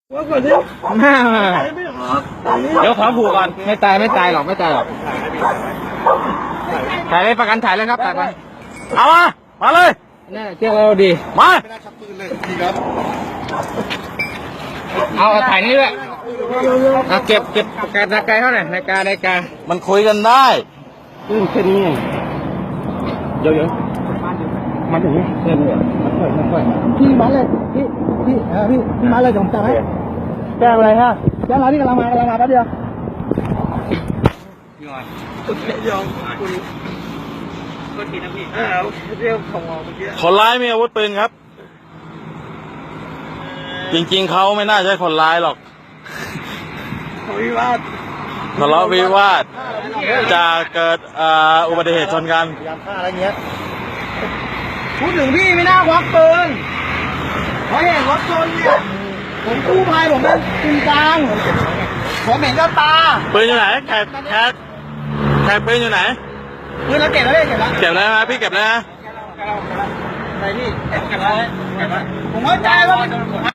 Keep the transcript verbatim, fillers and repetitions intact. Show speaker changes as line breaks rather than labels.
ว่าก่อนดิเดี๋ยวขอผูกก่อนไม่ตายไม่ตายหรอกไม่ตายหรอกถ่ายเลยประกันถ่ายเลยครับถ่ายไปเอามามาเลยนี่เที่ยวเราดีมาไม่น่าชักปืนเลยดีครับเอาถ่ายนี่ด้วยเอาเก็บเก็บประกันนาฬิกาเท่าไหร่นาฬิกานาฬิกา
มันคุยกันได้
อืมแค่นี้ไงเดี๋ยวเดี๋ยวมาถึงนี่เส้นเลยมาค่อยมาค่อยพี่มาเลยพี่พี่เออพี่พี่มาเลยผมจับให้แจ้งอะไรฮะแจ้งอะไรที่กำลังมากำลังมาแป๊บเดียวพี่ก่อนคุณไม่ยอมคุณก็ทีนะพี่เออเรียกของเราเมื่อกี้
คนร้ายมีอาวุธปืนครับจริงๆเขาไม่น่าใช่คนร้ายหรอก
วิวาท
ทะเลาะวิวาทจะเกิดอุบัติเหตุชนกัน
พยายามฆ่าอะไรเงี้ยพูดถึงพี่ไม่น่าควักปืนเพราะเห็นรถชนเนี่ยผมกู้ภัยผมเป็นจริงจังผมเห็นกับตา
ปืนอยู่ไหนแขกแขกแขกปืนอยู่ไหน
ปืนเราเก็บแล้วเก็บแล้ว
เก็บแล้วนะพี่เก็บแล้วนะ
อะไรพี่เก็บแล้วผมเข้าใจว่า